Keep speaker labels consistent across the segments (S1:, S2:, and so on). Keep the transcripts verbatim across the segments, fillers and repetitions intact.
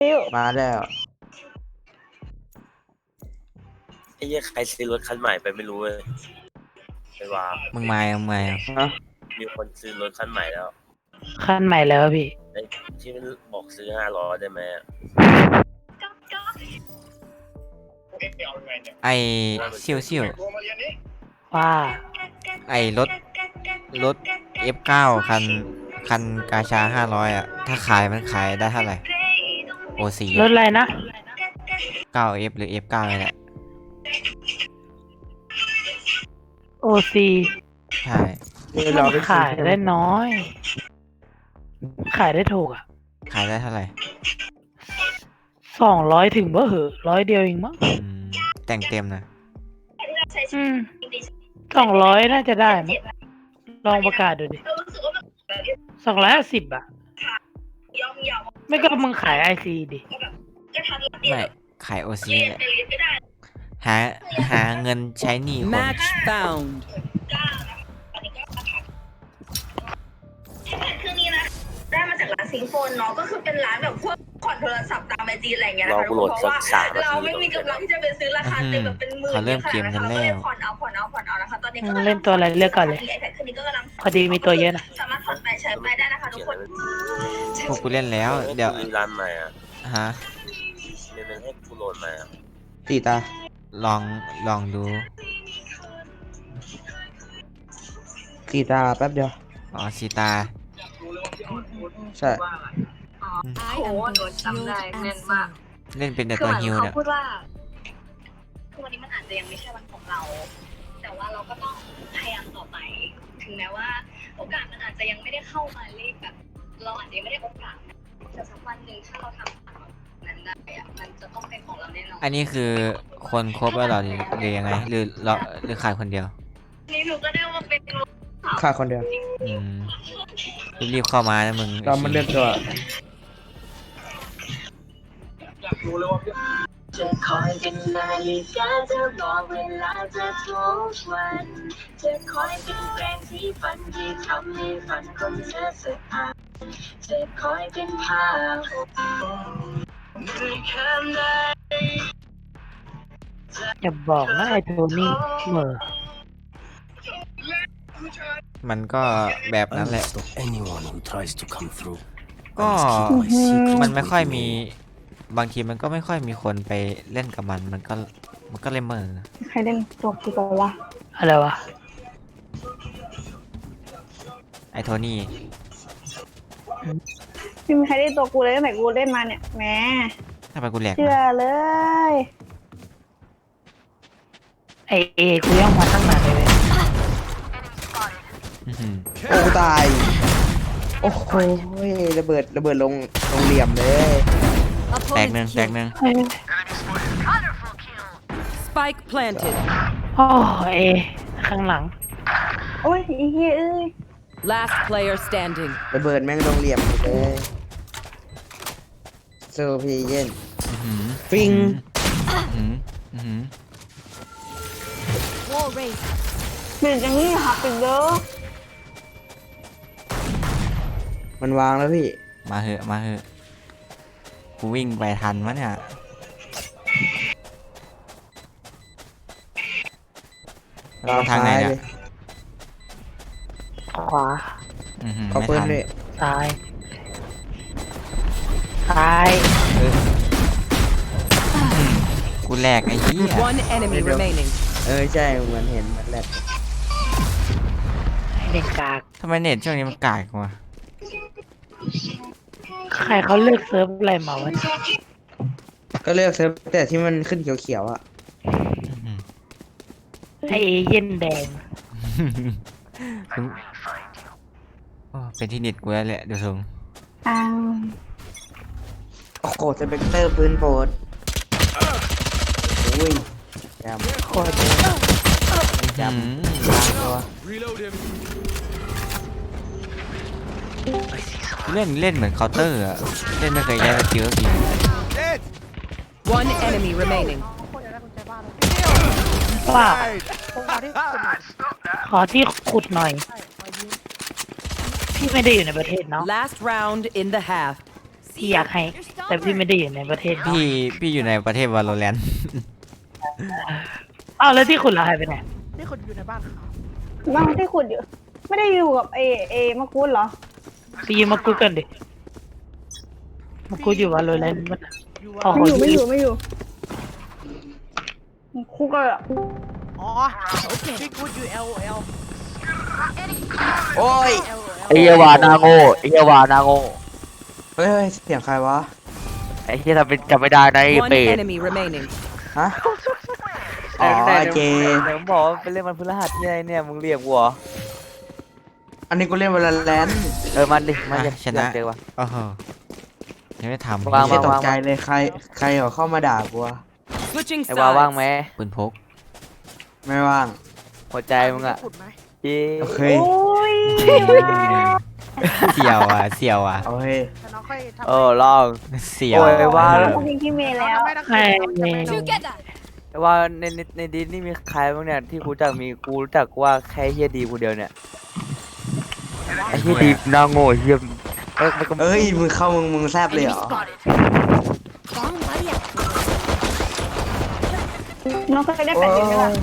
S1: มาแล้ว
S2: ไอ้เหี้ยใครซื้อรถคันใหม่ไปไม่รู้เลยไปว่า
S3: มึงมามึงมา
S1: ฮะ
S2: มีคนซื้อรถคันใหม่แล้ว
S4: ขั้นใหม่แล้วพี่
S2: ไอ้ที่มันบอกซื้อห้าร้อยได้ไหมอะ
S3: ไอซิ่วซิ่ว
S4: ว่า
S3: ไอรถรถ เอฟ เก้า คันคันกาชาห้าร้อยอ่ะถ้าขายมันขายได้เท่าไหร่ โอ ซี
S4: รถอะไรนะ
S3: เก้า เอฟ หรือ เอฟ เก้า นี่แหละ
S4: โอซี
S3: ใช่
S1: นี่เราไป
S4: ขายได้น้อย ขายได้ถูกอ่ะ
S3: ขายได้เท่าไหร่
S4: สองร้อยถึงเบ้อเหอะร้อยเดียวเองมั้ง
S3: อืมแต่งเต็มนะ
S4: อืมสองร้อยน่าจะได้มั้งลองประกาศดูดิสองร้อยห้าสิบอ่ะ ไม่ก็มึงขายไอซีดิ
S3: ไม่ขาย โอ ซี แหละหาหาเงินใช้หนี้คน
S5: Match found.
S6: เครื่องนี้นะได้มาจากร้านซิงโฟนเนาะก็คือเป็นร้านแบบพวกผ่อนโทรศัพท์ตามไอจีอะไรอย่างเงี้ยนะคะทุกคนเพราะว่าเราไม่มีกำลังที่จะไปซื้อราคาเต็มแบบเป็นหมื่น
S3: เขาเริ่มเกมกันแล้ว
S6: ก็เลยผ่อนเอาผ่อนเอาผ่อนเอานะคะตอนนี้ก็
S4: เล่นตัวอะไรเลือกก่อนเลย
S6: ไอแพดเครื่องนี้ก็กำลัง
S4: พอดีมีตัวเยอะนะ
S6: สามารถผ่อนไปใช้ไปได้นะคะทุกคน
S3: พวกกูเล่นแล้ว เดี๋ยว
S2: ซื้อร้านใหม่อ่ะ
S3: ฮะ
S2: เดี๋ยวนึงให้กูโหลดใหม่อ่ะ
S1: สี่ตา
S3: ลองลองดู
S1: สี่ตาแป๊บเดียว
S3: อ๋อสีตา
S1: ใช่
S6: โอ้โหหนูจำได้แม่นมาก
S3: เล่นเป็นแต่
S6: คือ
S3: ตัว
S6: เหมือน
S3: ฮิว
S6: เขา
S3: เนี่ย
S6: พูดว่าคือวันนี้มันอาจจะยังไม่ใช่วันของเรา แต่ว่าเราก็ต้องพยายามต่อไป ถึงแม้ว่า โอกาสมันอาจจะยังไม่ได้เข้ามาเลขแบบ เราอาจจะยังไม่ได้โอกาสนะแต่สักวันหนึ่งถ้าเราทำนั้นได้อะมันจะต้องเป็นของเราแน่นอน
S3: อันนี้คือคนครบแล้วเหรอหรือหรือยังไง หรือเราหรือขายคนเดียว
S6: นี่หนูก็ได้ว่าเป็น
S1: ค่าคนเดียว
S3: อืมรีบๆเข้ามานะมึง
S1: เรามันเล่นตัว
S7: จะคอยเป็นนาฬิกาจะบอกเวลาจะทุกวันจะคอยเป็นแรงที่ฝันที่ทำให้ฝันของเธอสะอาดจะคอยเป็นผ้าห่มในคืนใด
S4: อย่าบอกนะไอโทนี่เหม่อ
S3: มันก็แบบนั้นแหละ
S8: Anyone who tries to come through.
S3: ก็มันไม่ค่อยมีบางทีมันก็ไม่ค่อยมีคนไปเล่นกับมัน มันก็มันก็เลยเหม่อ
S9: ใครเล่นตัวกูตัววะ
S4: อะไรวะ
S3: ไอโทนี่
S9: ไม่มีใครเล่นตัวกูเลยตั้งแต่กูเล่นมาเนี่ยแหม
S3: ทำไมกูแหลก
S9: เชื่อ
S3: วะ
S9: เลย
S4: ไอเอกูย่องมาตั้งนานเลยเว้ย
S3: อื้อหือ
S1: โอ้ตาย โอ้โหระเบิดระเบิดลงลงเหลี่ยมเลย
S3: แตกหนึ่งแตกหนึ่ง
S4: เอ้ย
S5: Spike planted.
S4: โอ้เอข้างหลัง
S9: โอ้ยอีเหี้ยเอ้ย
S5: Last player standing.
S1: ระเบิดแม่งลงเหลี่ยมหมดเลยโซพีเย็น
S3: อื้อหือ
S1: ฟิง
S3: อื้อหืออื้อหือ
S5: Wall raised.
S9: เปลี่ยนอย่างนี้หักอีกเด้อ
S1: มันวางแล้วพี่
S3: มาเหอะมาเหอะกูวิ่งไปทันวะเนี่ยเราทางไหนเนี่ย
S4: ขวา
S3: อื้อหือ
S1: เอา
S3: ไม่
S1: ปืน
S3: ทัน
S1: เลย
S4: ซ้ายซ้าย
S3: เออกูแหลกไอ้เหี้ย
S5: One enemy remaining.
S1: เออใช่เหมือนเห็นมันแหลก
S4: ไอเด็กกาก
S3: ทำไมเน็ตช่วงนี้มันกากวะ
S4: ใครเขาเลือกเซิร์ฟอะไรมาวะ
S1: ก็เลือกเซิร์ฟแต่ที่มันขึ้นเขียวๆอ่ะ
S3: อื้อหือ
S4: ไอเอเย็นแดง
S3: ถึงโอ้เป็นที่เน็ตกูแล้วแหละเดี๋ยวทรง
S9: อ้าว
S1: โอ้โหสเปกเตอร์ปืนโปรดอุ้ยจำ
S4: โคตรเยอะ
S1: จำล้างตัว
S3: เล่นเล่นเหมือนเคาน์เตอร์อะเล่นไม่เคยแย่สกิลสักที
S5: One enemy remaining.
S4: ว่าขอที่ขุดหน่อย พี่ไม่ได้อยู่ในประเทศเนาะ
S5: Last round in the half.
S4: พี่อยากให้ แต่พี่ไม่ได้อยู่ในประเทศ
S3: พี่พี่อยู่ในประเทศวาโลแรนต์
S4: อ้าวแล้วที่คุณล่ะหายไปไหน
S10: นี่คนอยู่ในบ้านเขา
S9: บ้านที่ขุดอยู่ ไม่ได้อยู่กับเอเอมะกุดเหรอ
S4: พี่ยืมมากูกันดิมากูอยู่วาโลแรนต์มัน
S10: อยู่
S4: อ๋อ
S10: ว่า
S9: ไม่อยู่ไม่อยู่ไม่อยู่คุกก็
S10: อ๋อพี่กูอยู่ L O L
S1: โอ้ย
S10: L O L
S11: ไอ้เหี้ยวานาโง่ไอ้เหี้ยวานาโง่
S1: เฮ้ยเฮ้ยเสียงใครวะ
S11: ไอ้เหี้ยทำเป็นจำไม่ได้นะไอ้
S5: One
S11: เป็ด
S5: enemy remaining.
S1: ฮะ อ๋อเจ
S11: เดี๋ยวมึงบอกว่าไปเล่นมันพฤหัสที่ไหนเนี่ยมึงเรียกวัว
S1: อันนี้กูเล่นวอลเลน
S11: เออมันดิมัน
S3: อ่ะ
S11: จะ
S3: ชนะ
S11: เจอวะ
S3: โอ้โหยังไม่ทำ
S11: วาง
S1: ไม่
S11: วาง
S1: ตกใจเลยใครใครเหรอเข้ามาด่ากูวะ
S5: Switching
S11: ไอ้วาว่างไหม
S5: sides.
S3: ปืนพก
S1: ไม่ว่าง
S11: หัวใจมึงอะ
S10: ขุดไหม
S11: จี
S1: โอเค
S9: โอ้ย
S3: เสี่ยวอ่ะเสี่ยวอ่ะ
S1: เอาเฮ้ย
S10: แต่น้องค่อยทำ
S11: โอ้ลอง
S3: เสี่ยว
S11: โอ้ยว่า
S9: เราต้องยิงที่เมย์แล้ว
S10: ไม่ต้อง
S4: ไม่
S10: ไม่
S4: ไม่
S10: ต้อง
S11: ไอ้ว่าในในในดิสนี่มีใครบ้างเนี่ยที่กูรู้จักมีกูรู้จักว่าแค่เฮียดีกูเดียวเนี่ยไอ้เฮียดีน่าโง่เฮียเอ้ยมันก็
S1: เอ้ยมึงเข้ามึงมึงแซบเลยเหรอ
S9: น้องก็ได้แปดสิบไหมล่ะ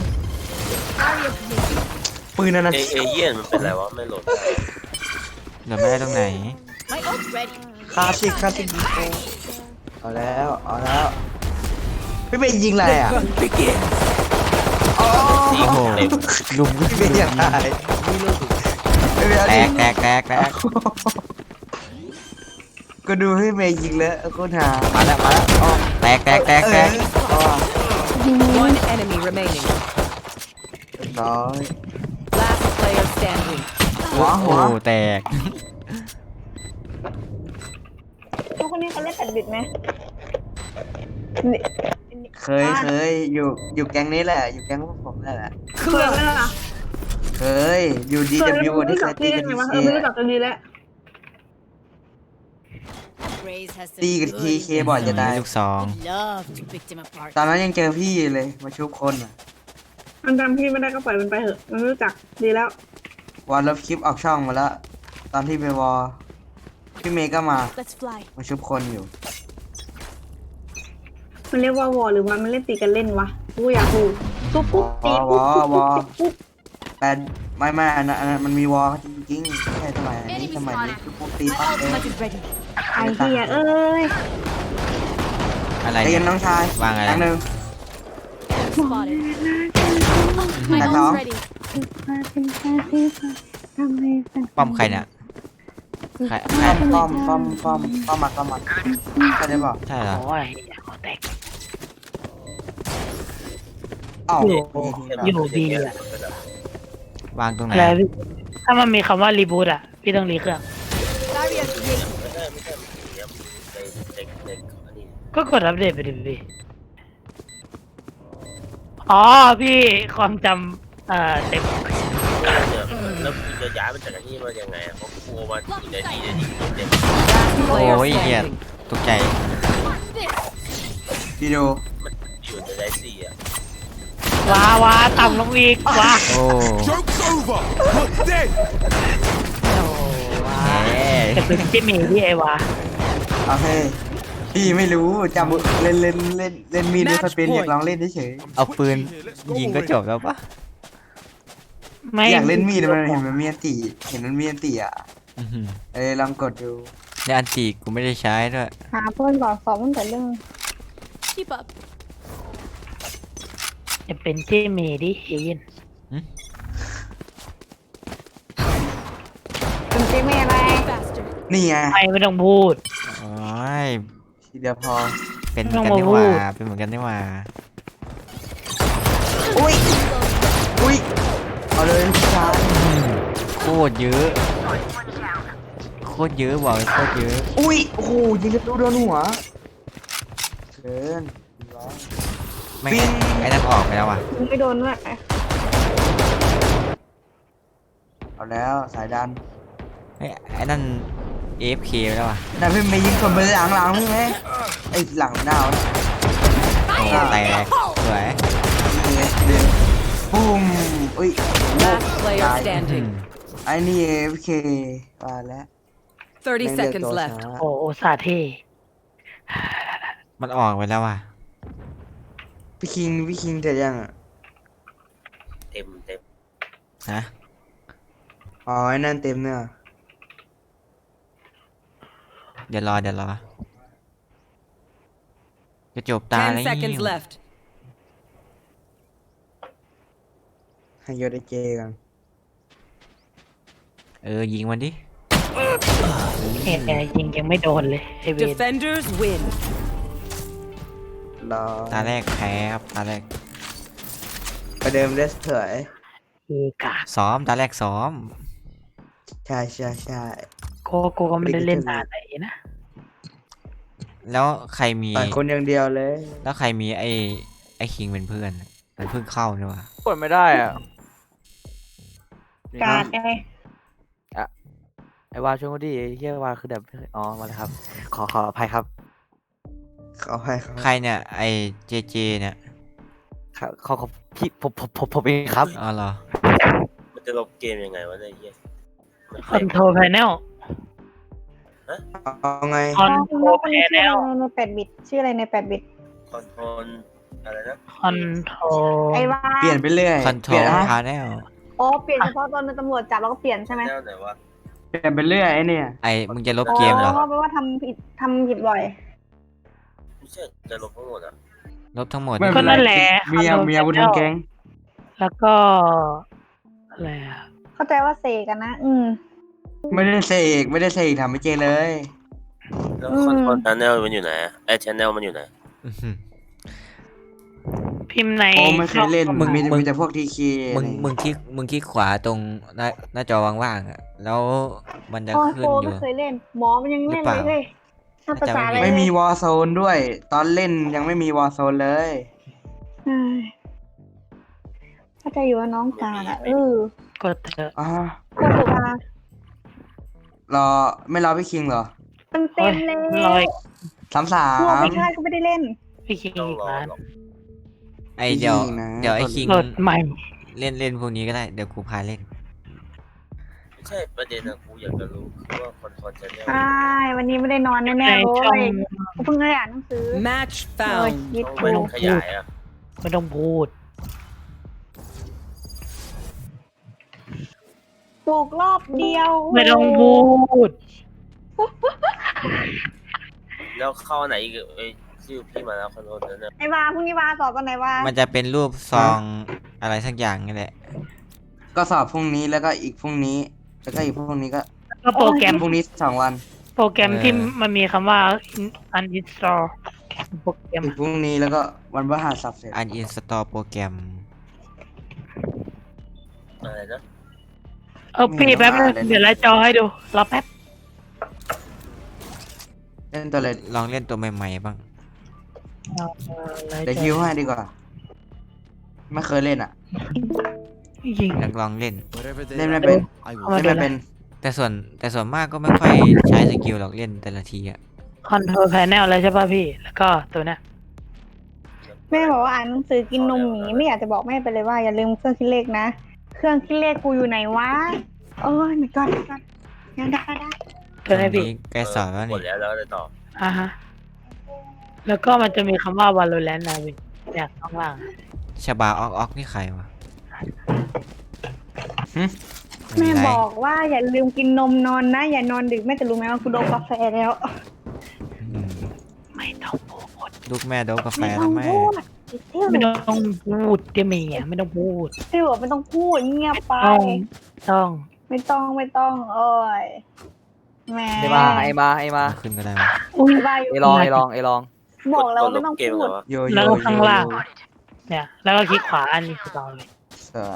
S1: ปืนนั่นนะ
S2: เอเอเยี่ยนมันเป็นไรวะไม่โหลด
S3: เดี๋ยวไม่ได้ตรงไหน
S1: คลาสสิกคลาสสิกดิโก้เอาแล้วเอาแล้วพี่เมย์ยิงอะไรอ่ะ
S2: โอ้
S3: โอ้โหลุม
S1: พี่เมย์ยังไงพี่เมย์เอา
S3: แต
S1: ดิ
S3: กแตกแตกแตก
S1: ก็ดูพี่เมย์ยิงแล้วโคตรหา
S3: มาแล้วมาแล้วอ๋อแตกแตกแตกแตก
S1: เออ
S5: One enemy remaining.
S1: เรียบร้อย
S5: Last player standing.
S1: หัวหั
S3: โอ้
S1: ว
S3: แตก
S9: ทุกคนนี้เขาเล่นแปดบิตไหม
S1: เคยเคยอยู่อยู่แก๊งนี้แหละ อยู่แก๊งพวกผมนั่นแหละ
S9: เคยไหมล่ะ
S1: เคยอยู่ดี
S9: เคย
S1: ดับ
S9: แล้ว
S1: บิว
S9: มึง
S1: ที่
S9: รู้
S1: เค
S9: จั
S1: ย
S9: ก
S1: ตี
S9: พี่ได้
S1: กัน
S9: ไง
S1: ที
S9: วะ
S1: เค
S9: เออไม่รู้จักกันดีแล้ว
S1: ตีกันทีเคบ่อยจะได้
S3: ลูกซอง
S1: ตอนนั้นยังเจอพี่เลยมาชุบคนอ่ะ
S9: มันจำพี่ไม่ได้ก็ปล่อยมันไปเถอะ มันไม่รู้จักดีแล้ว
S1: วันลบคลิปออกช่องมาแล้ว ตอนที่ไปวอลพี่เมย์ก็มามาชุบคนอยู่
S9: มันเรียกว่าวอลหรือว่ามันเล่นตีกันเล่นวะกูอยากรู้ปุ๊บปุ๊บตีปุ๊บปุ๊บปุ๊บปุ๊บปุ๊บ
S1: แต่ไม่ไม่อันนั้นอันนั้นมันมีวอลจริงๆไม่ใช่สมัยนี้สมัยนี้คือพวกตีปั๊บเอง
S9: ไอ้เหี้ยเอ้ย
S3: อะไร
S1: ใจ
S3: เนี่
S1: เย็
S3: ย
S1: นน้องชาย
S3: ว่างอะไร
S1: ครั้งหนึ่งแต่น้อง
S3: ป้อมใครเนี่ยใครใคร
S1: ป้อมป้อมป้อมป้อมป้อมมาป้อมมาใช่ได้ป่ะ
S3: ใช่เหรอ
S4: โอ้ยขอแตก
S1: อ้าว
S4: อยู่อยู่บีอะ
S3: วางตรงไหน
S4: อะไรพี่ถ้ามันมีคำว่ารีบูตอ่ะ พี่ต้องรีเครื่อง
S2: ไม่ใช่ไม่ใช่มันอย่างเงี้ยในในในอันนี้
S4: ก็กดอัปเดตไปดิพี่ อ๋อ พี่ความจำเอ่อเต็ม
S2: เนี่ยแล้วคุณจะย้ายมันจากที่มายังไงอ่ะเพราะกลัวมันอยู่ในดีในดีเต็ม
S5: Last
S3: โอ้
S5: player
S3: ยเหี้ย
S5: standing.
S3: ตกใจ
S1: พี่ดู
S2: มันอยู่ในไดซี่อ่ะ
S4: ว้าวาต่ำลงอีกว้า
S3: โอ้
S8: Joke's over! You're dead!
S3: แหม
S4: จะเป็นที่มีที่ไอวา
S1: โอเคพี่ไม่รู้จำเล่นเล่นเล่นเล่นมีดไม่ค่อยเป็นอยากลองเล่นเฉย
S3: เอาปืนยิงก็จบแล้วปะ
S4: ไม่
S1: อยากเล่นมีดมันเห็นมันมีอันตีเห็นมันมีอันตีอ่ะ
S3: อื้อหือ
S1: เอ้ยลองกดดู
S3: ในอันตีกูไม่ได้ใช้ด้วย
S9: หาเพื่อนก่อนสอบตั้งแต่เรื่อง
S4: จะเป็นที่มีดิเย็น
S9: เป็นเจ๊เมย์อะไร
S1: นี่ไง
S4: ไม่ไม่ต้องพูด
S3: โอ้ย
S1: ทีเดียวพอ
S3: เป็นเหมือนกันนี่หว่าเป็นเหมือนกันนี่หว่า
S1: อุ้ยอุ้ยเอาเลยพี่ชาย
S3: โคตรเยอะโคตรเยอะบอกเลยโคตรเยอะ
S1: อุ้ยโอ้โหยิงกระตุ้โดนหัวเกินร้อย
S3: ไม่งั้นไอ้นั่นออกไปแล้วว่ะ
S9: มึงไม่โดนด้วย
S1: เอาแล้วสายดัน
S3: ไอ้ไอ้นั่น เอ เอฟ เค ไปแล้วว่ะ
S1: แต่พี่ไม่ยิงคนไปหลังหลังใช่ไหมไอ้หลังดาว
S3: โอ้แตกสวย
S1: ปุ้มอุ้ย
S5: Last player
S3: อืม
S5: standing.
S1: ไอ้นี่ เอ ฟ เค มาแล้ว
S5: thirty
S1: แม่งเลือก
S5: seconds
S1: ตัว
S5: left.
S1: ช้า
S4: โอ้โอซาเท่
S3: มันออกไปแล้วว่ะ
S1: พี่คิงพี่คิงเสร็จยังอะ
S2: เต็มเต็ม
S3: ฮะ
S1: อ๋อไอ้นั่นเต็มเนี่ย
S3: เดี๋ยวรอเดี๋ยวรอจะจบตาแล้ว
S5: Ten seconds left.
S1: ให้ยศไอเจกัน
S3: เออยิงมันดิ
S4: เอ็นแอร์ยิงยังไม่โดนเลยไอเวน
S5: Defenders win.
S1: รอ
S3: ตาแรกแพ้ครับตาแรก
S1: ประเดิมเลสเถย
S4: เอกา
S3: ซ้อมตาแรกซ้อม
S1: ใช่ใช่ใช่
S4: โกโกก็ไม่ได้เล่นนานไหนนะ
S3: แล้วใครมี
S1: ต่อยคนอย่างเดียวเลย
S3: แล้วใครมีไอ้ไอ้คิงเป็นเพื่อนมันเพิ่งเข้านี่ว่ะ
S11: กดไม่ได้อ่ะ
S9: การไง
S11: ไอ้วาช่วยกูดิไอ้เฮียวาคือแบบอ๋อมาแล้วครับ ขอขออภัยครับ
S1: เขาให้เขา
S3: ใครเนี่ยไอ้เจเจเนี่ย
S11: ครับขอขอพี่ผมผมผมผมเองครับ
S3: อ๋อเหรอ
S2: มันจะลบเกมยังไงวะเนี่ยไอ้เหี้ยมัน
S4: คอนโทรลแพนเนล
S1: เอาไง
S4: คอนโทรลแพนเนล
S9: ในแปดบิตชื่ออะไรในแปดบิต
S2: คอนโทรลอะไรนะ
S4: คอนโทรล
S9: ไอ้ว่า
S1: เปลี่ยนไปเรื่อย
S3: คอนโทร
S1: เปลี่ย
S3: ล
S1: นอ่ะ
S3: พาแนล
S9: อ๋อเปลี่ยนเฉพาะตอนเป็นตำรวจจับแล้วก็เปลี่ยนใช่ไหม
S2: แนวไหนวะ
S1: เปลี่ยนไปเรื่อยไอ้เนี่ย
S3: ไอ้มึงจะลบเกมเหรอ
S9: อ๋อแปลว่าทำผิดทำผิดบ่อย
S2: ไม่ใช่จะลบทั้งหมดอ่ะ
S3: ลบทั้งหมด
S4: ก็นั่นแหละ
S1: เมียเมียบุญทั้งแก๊ง
S4: แล้วก็อะไรอะ
S9: เข้าใจว่าเสกกันนะ อืม
S1: ไม่ได้เสกไม่ได้เสกทำไม่เจเลย
S2: แล้ว
S9: อืม
S2: คอนโทรลชแนลมันอยู่ไหนอะไอ้ชแนลมันอยู่ไหน
S3: อื้อหือ
S4: พิมพ์ใน
S1: โอ้ไม่เคยเล่น
S3: มึง
S1: มี
S3: มึง
S1: มีแต่พวกทีคี
S3: มึงมึงคลิกมึงคลิกขวาตรงหน้าหน้าจอว่างๆอ่ะแล้วมันจะ
S9: โอ้
S3: ขึ้น
S9: โห
S3: อยู่
S9: ไม่เคยเล่น หมอมันยังเล่น
S3: หรือเป
S9: เล
S3: ล่า
S9: ยเฮ้ยถ้าภาษาอะไร
S1: ไม่มีวอร์โซนด้วย ตอนเล่นยังไม่มีวอร์โซนเลย
S9: อืมเข้าใจอยู่ว่าน้องกลางอ่ะเออก
S4: ดเถอะ
S1: อ่า
S9: ก็ถูกอ่ะ
S1: รอไม่รอพี่คิงเหรอ
S9: มันเต็มเลย
S4: ลอย
S1: สามสา
S9: พวก
S1: ม
S9: ไม่ใช่ก็ไม่ได้เล่น
S4: พี่คิง
S2: ต้อง
S4: อีก
S2: รอ
S4: ร้าน
S2: หรอก
S3: ไอเดี๋ยว
S1: จริงๆนะ
S3: เดี๋ยวไอคิง
S4: โหลดใหม่
S3: เล่นเล่นพวกนี้ก็ได้เดี๋ยวกูพาเล่น
S2: ไม่ใช่ประเด็นนะกูอยากจะรู้คือว่าคอนโทรลชแนล
S9: ใช่ วันนี้ไม่ได้นอน
S4: ใน
S9: แน่ๆเล
S4: ช่อง
S9: ยกูเพิ่งได้อ่านหนังสือ
S5: Match
S9: เออ
S5: found.
S9: คิด
S2: ต้อง
S9: กู
S2: ไม่ต้องขยายอ่ะ
S4: ไม่ต้องพูด
S9: ปลูกรอบเดียว
S4: ไม่ต้องพูด
S2: แล้วเข้าอันไหนอีกไอ้ยชื่อพี่มาแล้วคอนโทรลนั้นนะ
S9: ไอ้วาพรุ่งนี้วาสอบตอนไหนวา
S3: มันจะเป็นรูปซองอะไรสักอย่างนี่แหละ
S1: ก็สอบพรุ่งนี้แล้วก็อีกพรุ่งนี้ แล้วก็อีกพรุ่งนี้ก็
S4: ก็โปรแกรม
S1: พรุ่งนี้สองวัน
S4: โปรแกรม
S3: เออ
S4: ที่มันมีคำว่า uninstall โปรแกรม
S1: อีกพรุ่งนี้แล้วก็วันพฤหัสสับเสร็จ
S3: อันอินสตอลโปรแกรม
S2: อะไรนะ
S4: เออพี่แป๊บนึงเดี๋ยวไล่จอให้ดู รอแป๊บ
S1: เล่นตัวเลย
S3: ลองเล่นตัวใหม่ๆบ้าง
S4: เอาเออไล่
S1: เดี๋ยว
S4: จ
S1: คิว
S4: อ
S1: ให้ดีกว่า ไม่เคยเล่นอ่ะ
S4: ยิง
S3: อยากลองเล่น
S8: Whatever they
S1: เล่นไม่
S8: like,
S1: เป็น
S8: I will
S4: เอามา
S1: เล่น
S4: ดู
S1: ไม่
S4: นะ
S1: เป็น
S3: แต่ส่วนแต่ส่วนมากก็ไม่ค่อยใช้สกิลหรอกเล่นแต่ละทีอ่ะ
S4: คอนโทรลแพนเนลเลยใช่ป่ะพี่ แล้วก็ตัวเนี้ย
S9: แม่บอกว่าอ่านหนังสือกินนมหมีไม่อยากจะบอกแม่ไปเลยว่าอย่าลืมเครื่องคิดเลขนะ เครื่องคิดเลขกูอยู่ไหนวะโอ้ยไม่ก่อนก่อนยังได้ได้
S4: ตัวเนี้ยพี่
S3: นี้ใกล้สอบแล้ว
S2: หม
S3: นี่
S2: ดแล้วแล้วอะไรต่อ
S4: อ่าฮะ แล้วก็มันจะมีคำว่า Valorant นะพี่เนี่ยข้างล่าง
S3: ชบาออกออกนี่ใครวะ
S9: แม่
S3: ไร
S9: บอกว่าอย่าลืมกินนมนอนนะ อย่านอนดึกแม่จะรู้ไหมว่ากูโดนกาแฟแล้ว
S3: อืม
S4: ไม่ต้องพูด
S3: ลูกแม่โดนกาแฟ
S9: ไม่ต้
S3: แล้
S9: อ
S3: ว
S9: ง
S3: แม่
S9: พูดเที่ยว
S4: ไม่ต้องพูดเดี๋ยวเมียไม่ต้องพูด
S9: เที่ยวไม่ต้องพูดเงียบไป
S4: ต้องต้อง
S9: ไม่ต้องไม่ต้องโอ้ยแหม่
S11: ไอ้มาไอ้มาไอ้มา
S3: ขึ้นก็ได้วะ
S4: อุ้ย
S9: บ้าอยู่
S11: ไอ้ลองไอ้ลองไอ้ลอง
S9: บอกแล้ว
S2: ก
S9: ว่า
S2: ด
S9: ไม่ต้อง
S2: เกม
S9: พู
S2: เหร
S9: ด
S2: อวะ
S1: โยโย่
S4: แล้วก็ข้างล่าง
S1: โย
S4: เนี่ย แล้วก็คลิกขวาอันนี้คือเราเลย
S1: สวย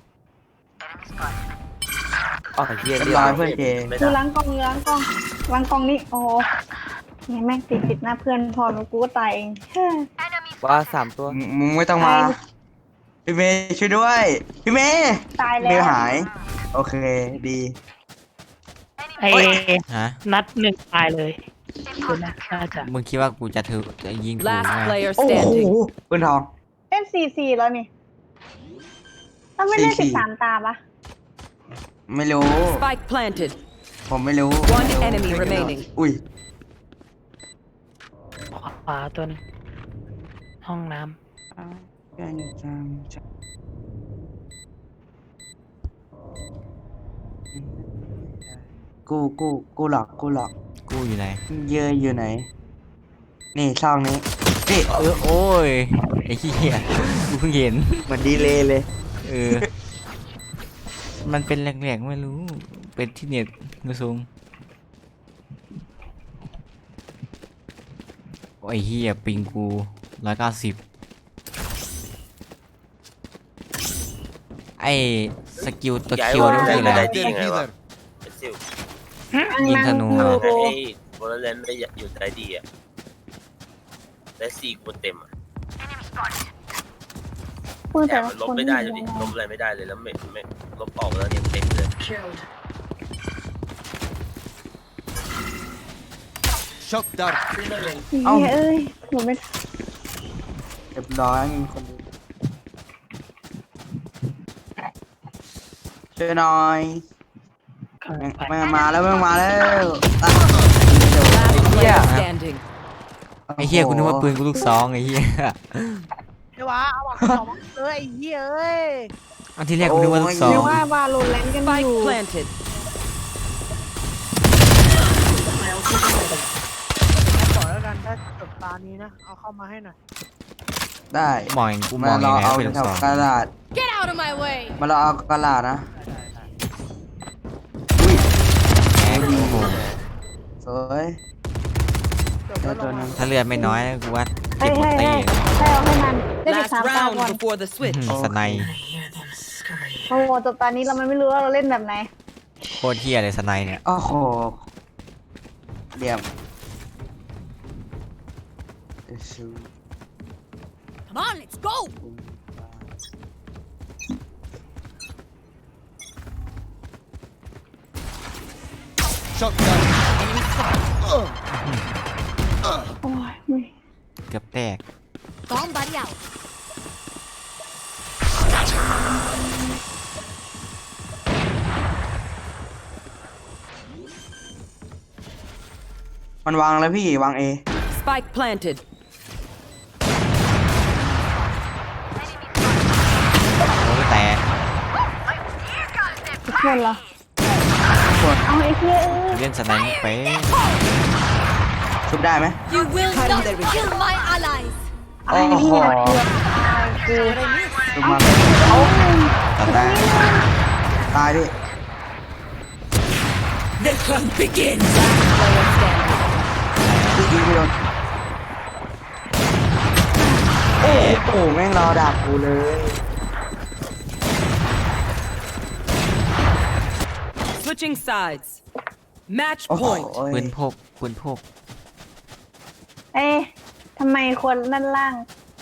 S11: อ๋อไอ้เฮีย
S1: เรียบ
S11: เรีย
S1: ร้อย
S11: บ
S1: เพื่อนเจ
S2: ไม่
S9: ดู
S2: ได้
S9: ล้างกล้องล้างกล้องล้างกล้องนี่โอ้โหเนี่ยแม่งติดติดหน้าเพื่อนพอหนูกูก็ตายเองเฮ้ย
S11: ว่าสามตัว
S1: มึงมึงไม่ต้องมา พี่เมย์ช่วยด้วย พี่เมย์
S9: ตาย
S1: เม
S9: แล้ว
S1: ย์หาย โอเคดี
S4: ไอ้
S3: ฮะ
S4: นัดหนึ่งตายเลยคือนะน่าจะ
S3: มึงคิดว่ากูจะถือจะยิงถูก
S5: Last
S3: ไหม
S5: player
S1: โอ้โห
S5: standing.
S1: ปืนทอง
S9: เล่นสี่สี่แล้วนี่ต้องไม่เล่น
S1: สี่
S9: สิ
S1: สี่
S9: บสามตาปะ
S1: ไม่รู้
S5: Spike planted.
S1: ผมไม่รู้
S5: One enemy remaining.
S1: อุ้ย
S4: ขวาตัวหนึงห้องน้
S1: กูกูกูหลอกกูหลอก
S3: กูอยู่ไหน
S1: เยอะอยู่ไหน นี่ช่องนี้นี่
S3: เออโอ้ยไอ้เหี้ยกูเพิ่งเห็น
S1: เหมือนดีเลยเลย
S3: เออ มันเป็นแหลกๆไม่รู้ เป็นที่เน็ตมือสูงโอ้ยเหี้ยปิงกูร้อยเก้าสิบไอ้สกิลตัว
S2: ย้าย
S3: เคียว
S2: ว่า
S3: นี่มัน
S2: ได้
S3: คืออะไร
S2: ได้ดียังไงวะไอ้ซิว
S3: ยิงธนู
S9: นั่ง
S2: ไอ้
S9: อยู่
S2: โบลเลนได้อยู่ได้ดีอ่ะได้สี่คนเต็มอ่ะ
S9: พูด
S2: แต่
S9: แต่
S2: มันลบ
S9: คน
S2: ไม่ได้เลยดิลบอะไรไม่ได้เลยแล้วไม่ไม่ลบออกแล้วยังเต็มเลย
S8: Shock dart.
S9: เฮ้ยเอ้ยหนูไม่
S1: เรียบร้อยมีคนดูช่วยหน่อย
S4: ำข้าง
S1: แม่ง
S4: ไป
S1: แม่งมาแล้วแม่งมาแล้วอ่ะ
S5: Last player
S11: Yeah.
S5: standing.
S3: ไอ้เหี้ยกูนึกว่าปืนกูลูกซองไอ้เหี้ย
S10: เดี๋ยววะเอาหวังสองเอ้ยไอ้เหี้ยเอ้ย
S3: อันที่แรกกูนึกว่าลูกซอ
S9: เรีย
S3: ง
S9: กว่าบาโลแรนต์กันอ
S5: Spike
S9: ยู่
S5: planted.
S10: ขอแล้วกันถ้าจบตานี้นะเอาเข้ามาให้หน่อย
S1: ได้
S3: มองกูม
S1: มา
S3: อง
S1: ร
S3: ยั
S1: อง
S3: ไง
S1: เอา
S3: ว่าเป็นลูก
S1: แถว
S3: ซอง
S1: กระดาษ
S5: Get out of my way.
S1: มาเราเอากระดาษนะ
S3: แหมโอ้โห
S1: สวย
S10: จบแล้วล
S1: ตัว
S10: ง
S1: หนึ
S10: มาง
S3: ถ้าเลือดไม่น้อยนะกูว่า
S9: ให้
S3: เก็บหมด
S9: ให้
S3: ตี
S9: ให้ให้เอาให้มันได้ไป
S5: Last
S9: สามตา
S5: round
S9: ก่อน
S5: before the
S3: อื้อ
S5: switch.
S3: หือสไนป์
S9: โอ้โหจบตอนนี้เราไม่รู้ว่าเราเล่นแบบไหน
S3: โคตรเหี้ยเลยสไนป์เนี่ย
S1: โอ้โหเหลี่ยม
S5: Come on, let's go.
S8: Shock dart.
S9: โอ้ยไม่
S3: เกือบแตก
S5: Bomb buddy out.
S1: มันวางแล้วพี่วางเอ
S5: Spike planted.
S3: โอ้ยแตก
S9: ทุกคนเหรอเอาไอ้เหี้ยเอ้ย
S3: เล่นสไนป์ไป
S1: ชุบได้ไหม
S5: You will not kill my allies.
S9: เอาไอ้เหี้ยเกือบตายกู
S1: ชุบมา
S9: เอา
S3: ตัดได้
S1: ตายดิ
S5: The hunt begins. Last player standing.
S1: พี่ยิงไม่โดนโอ้โหแม่งรอดักกูเลย
S5: Switching sides. Match
S1: โอ้โห
S5: point.
S3: ปืนพกปืนพก
S9: เอ๊ะทำไมคนด้านล่าง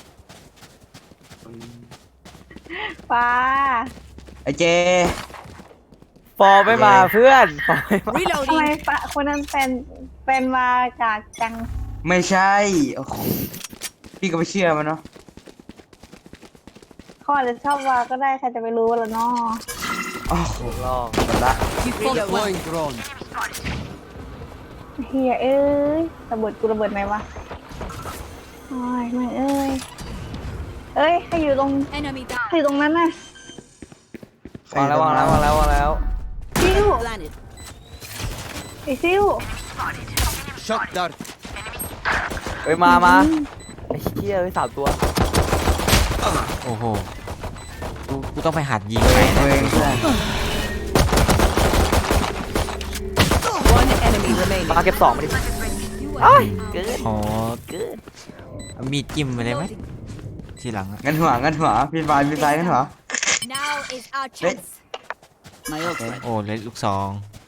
S9: ฟ้า
S1: ไอเจ
S11: ฟอร์ไม่มาเพื่อนฟอร์ไม่มา
S9: ทำไม
S5: Reloading.
S9: ฟ้าคนนั้นเป็นเป็นมากากจัง
S1: ไม่ใช่โอ้โหพี่ก็ไม่เชื่อมันเนาะ
S9: เขาอาจจะชอบวาก็ได้ใครจะไปรู้ล่ะเนาะ
S1: โอ้โห
S11: ลอง
S1: หมดละ
S5: You fought well.
S8: Deploying drone.
S9: เฮียเอ้ยระเบิดกูระเบิดไหมวะโอ้ยไม่เอ้ยเอ้ยใครอยู่ตรง
S5: Enemy
S9: ใครอยู่ตรงนั้นน่ะ
S1: ใคร
S11: วางแล้ววางแล้ววางแล้ววางแล้ว
S9: ซิว
S5: planted.
S9: ไอซิว
S8: Shock dart.
S11: เฮ้ยมามาไอ้เหี้ยเฮ้ยสามตัว
S3: โอ้โหกูกูต้องไปหัดยิงไง
S1: ตัวเองเพื่อน
S5: One enemy remaining.
S11: มาเก็บสองมาดิ
S5: You
S11: เอ้ย
S5: are
S11: เกิน
S3: อ๋อ
S11: เกิน
S3: เอามีดจิ้มไปเลยไหมทีหลังอะ
S1: งั้นหัวงั้นหัวพี่ไฟพี่ไฟงั้นหัว
S5: Now is our
S1: chance.
S5: My
S3: โอ้เลยลูกซอง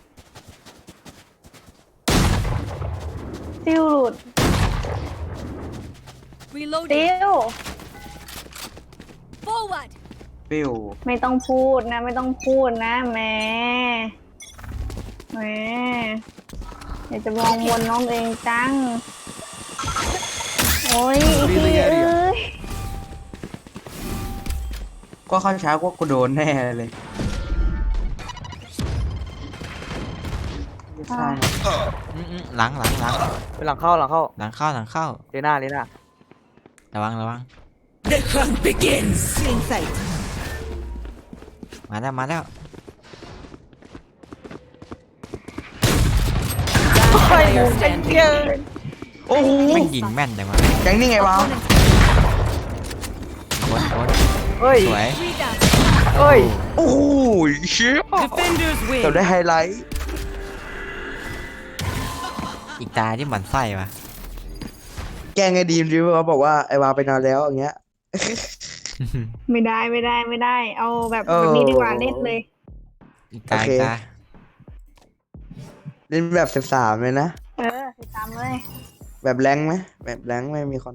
S9: ซิวหลุด
S5: Reloading.
S9: ซิว
S5: Forward.
S1: ปิ้ว
S9: ไม่ต้องพูดนะ ไม่ต้องพูดนะแหม่แหม่อยากจะมองวนน้องเองจัง โอ้ยอีกทีเอ้ย
S1: ก็เข้าช้าก็กูโดนแน่เลย
S9: ม
S1: ใช่
S3: อืมอืมหลังหลังหลัง
S11: ไปหลังเข้าหลังเข้า
S3: หลังเข้าหลังเข้า
S11: เลน่าเลน่า
S3: ระวังระวัง
S5: The hunt begins. In sight.
S3: มาแล้วมาแล้ว
S5: Player standing.
S1: โอ้โห
S3: ไม่งยิงแม่นจังวะ
S1: แกงนี่ไงวะ
S3: โคตรโคตร
S11: เฮ้ย
S3: สวย
S11: เฮ้ย
S1: โอ้โหเชี่ย
S5: Defenders
S1: เกือบ
S5: win.
S1: ได้ไฮไลท์
S3: อีกตาที่หมันไส้วะ
S1: แกงไอ้ดีมดิว่าบอกว่าไอ้วาไปนอนแล้วอย่างเงี้ย
S9: ไม่ได้ไม่ได้ไม่ได้ เอาแบบ
S1: เออ
S9: แบบนี้ดีกว่าเล่นเลย
S3: อีกตา
S1: โอเค
S3: อีกตา
S1: เล่นแบบสิบสามเลยนะ
S9: เออติดตามเลย
S1: แบบแรงค์ไหมแบบแรงค์ไม่มีคน